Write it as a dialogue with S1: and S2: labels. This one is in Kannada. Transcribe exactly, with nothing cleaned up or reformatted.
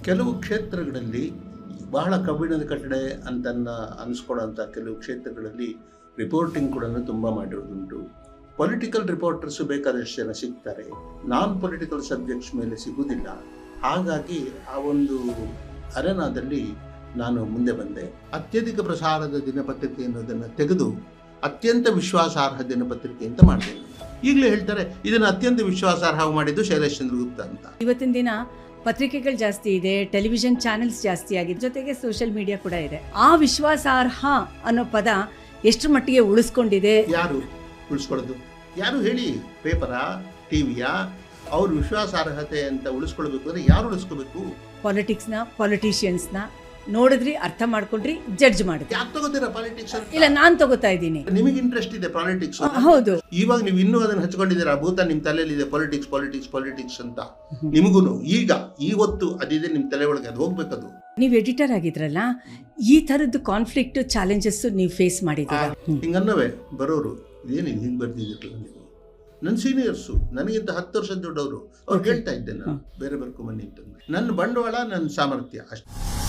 S1: ಕೆಲವು ಕ್ಷೇತ್ರಗಳಲ್ಲಿ ಬಹಳ ಕಬ್ಬಿಣದ ಕಟ್ಟಡೆ ಅಂತನ್ನ ಅನಿಸ್ಕೊಳ್ಳೋಂಥ ಕೆಲವು ಕ್ಷೇತ್ರಗಳಲ್ಲಿ ರಿಪೋರ್ಟಿಂಗ್ ಕೂಡ ತುಂಬ ಮಾಡಿರೋದುಂಟು. ಪೊಲಿಟಿಕಲ್ ರಿಪೋರ್ಟರ್ಸು ಬೇಕಾದಷ್ಟು ಜನ ಸಿಗ್ತಾರೆ, ನಾನ್ ಪೊಲಿಟಿಕಲ್ ಸಬ್ಜೆಕ್ಟ್ಸ್ ಮೇಲೆ ಸಿಗುವುದಿಲ್ಲ. ಹಾಗಾಗಿ ಆ ಒಂದು ಅರೆನಾದಲ್ಲಿ ನಾನು ಮುಂದೆ ಬಂದೆ. ಅತ್ಯಧಿಕ ಪ್ರಸಾರದ ದಿನಪತ್ರಿಕೆ ಅನ್ನೋದನ್ನು ತೆಗೆದು ಅತ್ಯಂತ ವಿಶ್ವಾಸಾರ್ಹ ದಿನಪತ್ರಿಕೆ ಅಂತ ಮಾಡಿದೆ. ಈಗಲೇ ಹೇಳ್ತಾರೆ ಇದನ್ನು ಅತ್ಯಂತ ವಿಶ್ವಾಸಾರ್ಹ ಮಾಡಿದ್ದು ಶೈಲೇಶ್ ಚಂದ್ರಗುಪ್ತ ಅಂತ.
S2: ಇವತ್ತಿನ ದಿನ ಪತ್ರಿಕೆಗಳು ಜಾಸ್ತಿ ಇದೆ, ಟೆಲಿವಿಷನ್ ಚಾನೆಲ್ಸ್ ಜಾಸ್ತಿ ಆಗಿದೆ, ಜೊತೆಗೆ ಸೋಷಿಯಲ್ ಮೀಡಿಯಾ ಕೂಡ ಇದೆ. ಆ ವಿಶ್ವಾಸಾರ್ಹ ಅನ್ನೋ ಪದ ಎಷ್ಟು ಮಟ್ಟಿಗೆ ಉಳಿಸ್ಕೊಂಡಿದೆ?
S1: ಯಾರು ಉಳಿಸ್ಕೊಳ್ಳೋದು? ಯಾರು ಹೇಳಿ? ಪೇಪರಾ, ಟಿವಿಯಾ? ಅವ್ರ ವಿಶ್ವಾಸಾರ್ಹತೆ ಅಂತ ಉಳಿಸ್ಕೊಳ್ಬೇಕು ಅಂದ್ರೆ ಯಾರು ಉಳಿಸ್ಕೋಬೇಕು?
S2: ಪಾಲಿಟಿಕ್ಸ್ನ, ಪಾಲಿಟಿಷಿಯನ್ಸ್ನ ನೋಡಿದ್ರಿ, ಅರ್ಥ ಮಾಡ್ಕೊಂಡ್ರಿ, ಜಡ್ಜ್ ಮಾಡಿದ್ರಿ.
S1: ಯಾಕೆ ತಗೋತೀರಾ ಪಾಲಿಟಿಕ್ಸ್?
S2: ಇಲ್ಲ, ನಾನ್ ತಗೋತಾ ಇದ್ದೀನಿ.
S1: ನಿಮಗೆ ಇಂಟ್ರೆಸ್ಟ್ ಇದೆ ಪಾಲಿಟಿಕ್ಸ್?
S2: ಹೌದು.
S1: ಇವಾಗ ನೀವು ಇನ್ನೂ ಅದನ್ನ ಹಚ್ಕೊಂಡಿದ್ದೀರಾ, ಭೂತ ನಿಮ್ ತಲೆಯಲ್ಲಿ ಇದೆ ಪಾಲಿಟಿಕ್ಸ್ ಪಾಲಿಟಿಕ್ಸ್ ಪಾಲಿಟಿಕ್ಸ್ ಅಂತ. ನಿಮಗೂನು ಈಗ ಇವತ್ತು ಅದಿದೆ ನಿಮ್ ತಲೆ ಒಳಗೆ, ಅದು ಹೋಗ್ಬೇಕದು.
S2: ನೀವು ಎಡಿಟರ್ ಆಗಿದ್ರಲ್ಲ, ಈ ತರದ್ದು ಕಾನ್ಫ್ಲಿಕ್ಟ್ ಚಾಲೆಂಜಸ್ ನೀವು ಫೇಸ್ ಮಾಡಿದ್ದೀರಾ?
S1: ಹಿಂಗನ್ನವೇ ಬರೋರು, ಇದೇನಿದೆ ಹಿಂಗೆ ಬರ್ದಿದ್ದೀರಲ್ಲ ನೀವು. ನನ್ನ ಸೀನಿಯರ್ಸು, ನನಗಿಂತ ಹತ್ತು ವರ್ಷದ ದೊಡ್ಡವರು, ಅವ್ರು ಹೇಳ್ತಾ ಇದ್ದೆ ನಾನು ಬೇರೆ ಬರ್ಕೊಂಬನ್ನಿ ಅಂತ. ನನ್ನ ಬಂಡವಾಳ, ನನ್ನ ಸಾಮರ್ಥ್ಯ ಅಷ್ಟೇ.